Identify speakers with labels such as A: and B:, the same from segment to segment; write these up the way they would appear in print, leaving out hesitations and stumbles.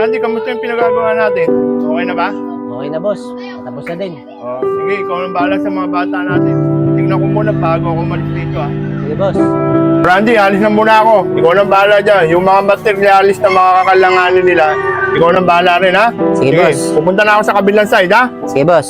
A: Randy, kamusta yung pinagagawa natin? Okay na ba?
B: Okay na, boss. Tapos na din.
A: Oh, sige, ikaw nang bahala sa mga bata natin. Tingnan ko muna bago ako umalis dito, ah.
B: Sige, boss.
A: Randy, alis na muna ako. Ikaw nang bahala dyan. Yung mga materialis na mga kakalanganin nila, ikaw nang bahala rin, ha?
B: Sige, boss.
A: Pupunta na ako sa kabilang side, ha?
B: Sige, boss.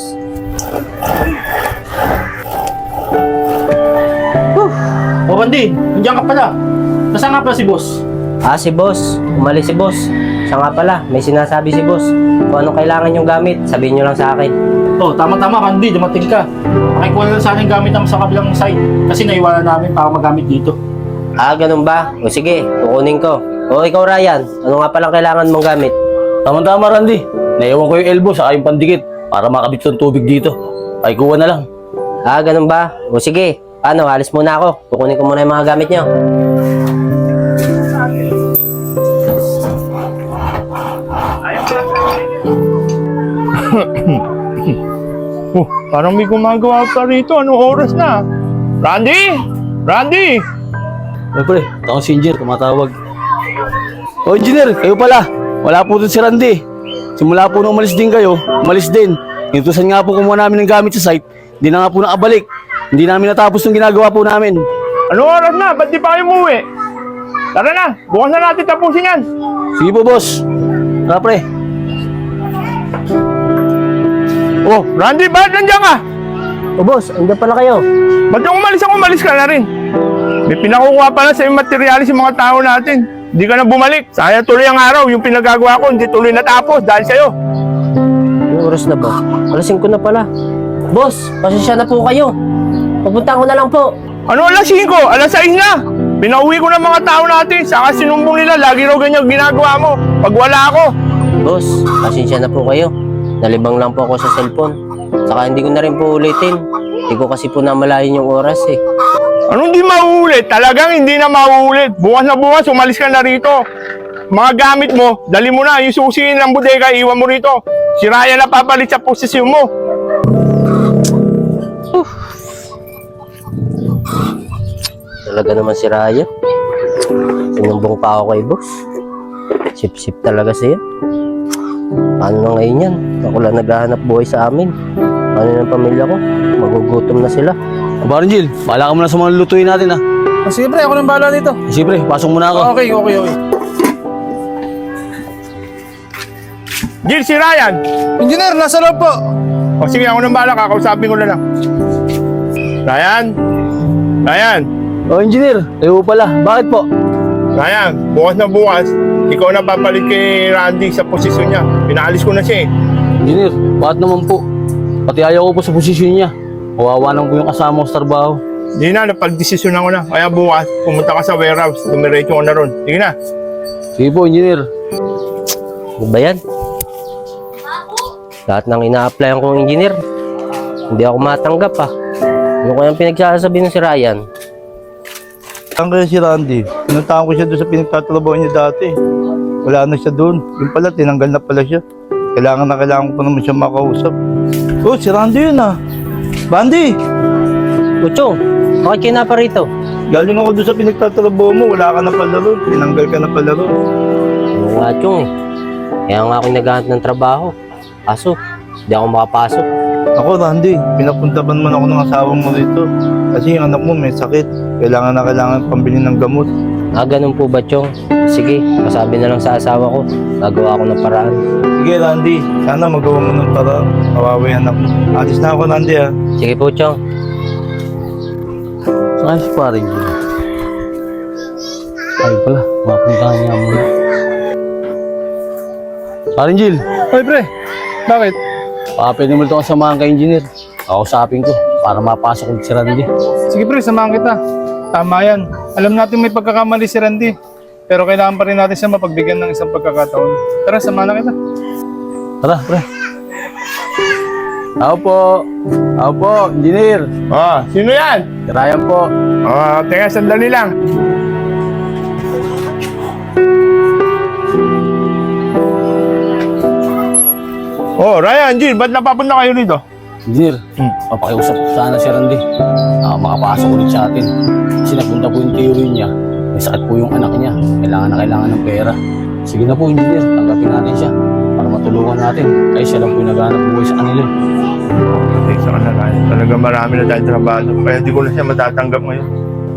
C: O Randy, nandiyan ka pala. Nasaan nga pala si boss?
B: Si boss. Umalis si boss. Siya nga pala, may sinasabi si boss. Kung anong kailangan yung gamit, sabihin nyo lang sa akin.
C: Oh, tama-tama Randy, dumating ka. Pakikuha na lang sana yung gamit namin sa kabilang side. Kasi naiwanan namin para magamit dito.
B: Ganun ba? O sige, kukunin ko. O ikaw, Ryan, ano nga palang kailangan mong gamit?
D: Tama-tama, Randy. Naiwan ko yung elbow sa yung pandikit para makabit ng tubig dito. Pakikuha na lang.
B: Ganun ba? O sige, paano? Alis muna ako. Kukunin ko muna yung mga gamit nyo.
A: Parang may gumagawa pa rito. Anong oras na? Randy! Randy!
D: Ay, pre, ako si Engineer, tumatawag. O, Engineer, kayo pala. Wala po dun si Randy. Simula po nung umalis din kayo, umalis din. Inutusan nga po kumuha namin ng gamit sa site. Hindi na nga po nakabalik. Hindi namin natapos yung ginagawa po namin.
A: Anong oras na? Ba't di pa kayo umuwi? Tara na! Bukas na natin tapusin yan!
D: Sige po, boss. Tara, pre.
A: Oh, Randy, ba't nandiyan ka?
B: O boss, andyan pala kayo.
A: Ba't yung umalis ka na rin? May pinakukuha pa lang sa yung materialis yung mga tao natin. Hindi ka na bumalik. Sayang tuloy ang araw. Yung pinagagawa ko, hindi tuloy natapos dahil sa'yo.
B: Yung oras na ba? Alas 5 na pala. Boss, pasensya na po kayo. Pupunta ko na lang po.
A: Ano alas 5? Alas 6 na! Pinauwi ko ng mga tao natin. Saka sinumbong nila, lagi raw ganyan ginagawa mo. Pag wala ako.
B: Boss, pasensya na po kayo. Nalibang lang po ako sa cellphone. Saka hindi ko na rin po ulitin. Hindi ko kasi po namalayan yung oras eh.
A: Anong di mauulit? Talagang hindi na mauulit. Bukas na bukas, umalis ka na rito. Mga gamit mo, dali mo na. Yung susiin ng bodega, iwan mo rito. Si Ryan na papalit sa posisyon mo.
B: Talaga naman si Ryan. Sinumbong pa ako kay boss. Sip-sip talaga siya. Paano na ngayon yan? Ako lang naghahanap buhay sa amin. Paano ng pamilya ko? Magugutom na sila.
D: Baron Jill, bahala ka muna sa mga lutuin natin, ha?
C: Sige pre, ako nang bahala dito.
D: Sige, pre, pasok muna ako.
C: Okay.
A: Jill, si Ryan.
C: Engineer, nasa loob po.
A: O sige, ako nang bahala. Kakausapin ko na lang. Ryan? Ryan?
D: O, Engineer, kayo pala. Bakit po?
A: Ryan, bukas na bukas, ikaw na papalit kay Randy sa posisyon niya. Pinaalis ko na siya eh.
D: Engineer, bakit naman po? Pati ayaw ko po sa posisyon niya. Kawawa naman ko yung kasama ko sa trabaho.
A: Hindi na, napag-desisyonan ko na. Kaya bukas, pumunta ka sa warehouse. Dumiretso ko na ron. Sige na.
D: Sige po, Engineer.
B: Ano ba yan? Lahat ng ina-applyan kong engineer, hindi ako matanggap ah. Ano kayang pinagsasabi ng si Ryan?
E: Saan kaya si Randy? Pinuntahan ko siya doon sa pinagtatrabaho niya dati. Wala na siya doon. Yung pala, tinanggal na pala siya. Kailangan ko pa naman siya makausap. Oh, si Randy yun ah. Randy!
B: Kuchong, bakit kayo na pa rito?
E: Galing ako doon sa pinagtatrabaho mo. Wala ka na pala doon. Tinanggal ka na pala doon.
B: Ano nga, Chong eh. Kaya nga ako naghahanap ng trabaho. Kaso, hindi ako makapasok.
E: Ako, Randy, pinapuntaban man ako ng asawa mo rito. Kasi yung anak mo may sakit. Kailangan pambili ng gamot.
B: Ganun po ba, Chong? Sige, masabi na lang sa asawa ko. Gagawa ako ng paraan.
E: Sige, Randy. Sana magawa mo ng parang kawawa yung anak mo. Alis na ako, Randy ah.
B: Sige po, Chong.
D: Saan si Paring Jill? Ay pala, mapuntahan niya muna. Paring Jill,
C: Ay pre, bakit?
D: pwede mo ito kasamahan kay Engineer. Kausapin ko para mapasok ulit si Randy.
C: Sige pre, samahan kita. Tama yan. Alam natin may pagkakamali si Randy. Pero kailangan pa rin natin siya mapagbigyan ng isang pagkakataon. Tara, samahan na kita.
D: Tara, pre. Ako po, Engineer.
A: Sino yan?
D: Si Ryan po.
A: Teka, sandali lang. Ryan, Jill, ba't napapunta kayo rito?
D: Engineer, papakiusap sana si Randy. Makapasok ulit sa atin. Kasi napunta po yung theory niya. May sakit po yung anak niya. Kailangan ng pera. Sige na po, engineer. Tanggapin natin siya para matulungan natin. Kaya siya lang po yung naghahanap buhay sa kanila.
A: Patay sa kanila. Talaga marami na tayong trabaho. Kaya di ko na siya matatanggap ngayon.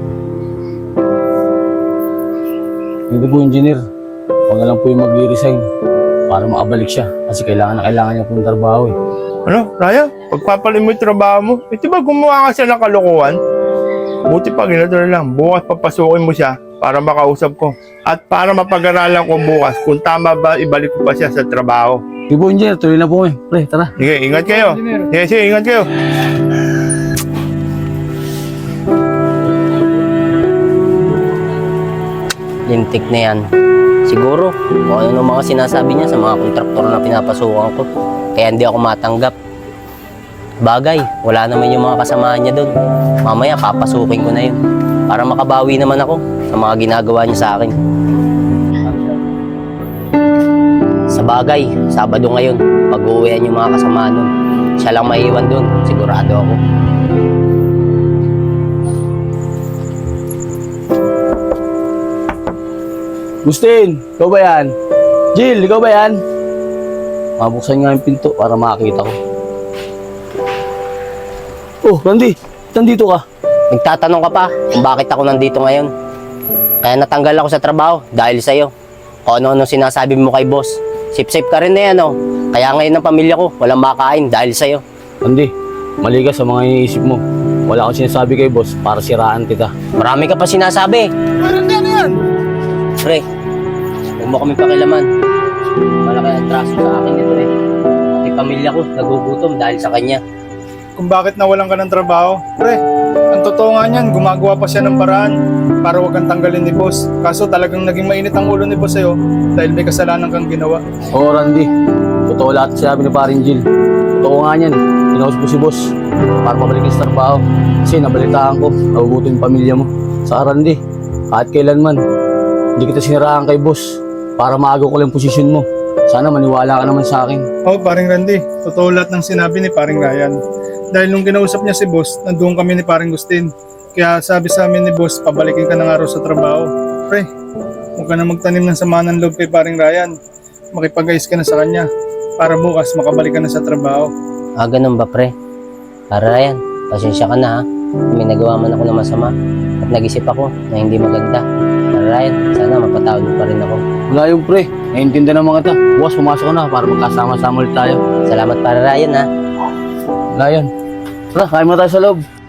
D: Hindi po, engineer. Huwag na lang po yung mag-resign para makabalik siya. Kasi kailangan niya po ng trabaho eh.
A: Ano, Raya? Pagpapalin mo yung trabaho mo. Di ba gumawa ka siya ng kalokohan? Buti pa, ganito na lang. Bukas papasukin mo siya para makausap ko. At para mapag-aralan ko bukas kung tama ba ibalik ko pa siya sa trabaho.
D: Sige po, engineer. Tuloy na po eh. Pre, tara.
A: Sige, ingat kayo.
C: Engineer.
A: Sige, ingat kayo.
B: Lintik na yan. Siguro, kung ano nung mga sinasabi niya sa mga kontraktor na pinapasukan ko. Kaya hindi ako matanggap. Bagay, wala naman yung mga kasamahan niya doon. Mamaya, papasukin ko na yun. Para makabawi naman ako sa mga ginagawa niya sa akin. Sa bagay, Sabado ngayon, pag-uwian yung mga kasamahan nun. Siya lang maiiwan doon, sigurado ako.
D: Gustin, ikaw ba yan? Jill, ikaw ba yan? Mabuksan nga yung pinto para makakita ko. Oh, Randy, nandito ka.
B: Nagtatanong ka pa kung bakit ako nandito ngayon. Kaya natanggal ako sa trabaho dahil sa'yo. Kung ano-ano sinasabi mo kay boss. Sip-sip ka rin na yan, oh. Kaya ngayon ang pamilya ko, walang makain dahil sa'yo.
D: Randy, mali ka sa mga iniisip mo. Wala akong sinasabi kay boss para siraan kita.
B: Marami ka pa sinasabi.
C: Ano yan?
B: Pre, huwag mo kami pakilaman. Malaki ang traso sa akin nito eh. Pati pamilya ko, nagugutom dahil sa kanya.
C: Kung bakit nawalan ka ng trabaho? Pre, ang totoo nga niyan, gumagawa pa siya ng paraan para wag kang tanggalin ni boss. Kaso talagang naging mainit ang ulo ni boss sa'yo dahil may kasalanan kang ginawa.
D: Oo, Randy. Totoo lahat sinabi ni paring Jill. Totoo nga niyan. Pinaus ko si boss para mabalik sa trabaho. Kasi nabalitaan ko, nagugutom yung pamilya mo. Saka Randy, kahit kailanman, hindi kita siniraan kay boss para maaga ko lang posisyon mo. Sana maniwala ka naman sa akin.
C: Oh, paring Randy, totoo lahat ng sinabi ni paring Ryan. Dahil nung kinausap niya si boss, nandoon kami ni paring Gustin. Kaya sabi sa amin ni boss, pabalikin ka ng araw sa trabaho. Pre, huwag ka na magtanim ng sama ng loob kay paring Ryan. Makipag-ayos ka na sa kanya para bukas makabalik ka na sa trabaho.
B: Ah, ganun ba, pre? Para yan, pasensya ka na ha. May nagawa man ako na masama at nag-isip ako na hindi maganda. Para yan, sana mapatawad mo pa rin ako.
D: Wala yung pre. Naiintindihan naman kita. Bukas, pumasok ka na para magkasama-sama ulit tayo.
B: Salamat para Ryan ha.
D: Wala yan. Tara, kain mo tayo sa loob.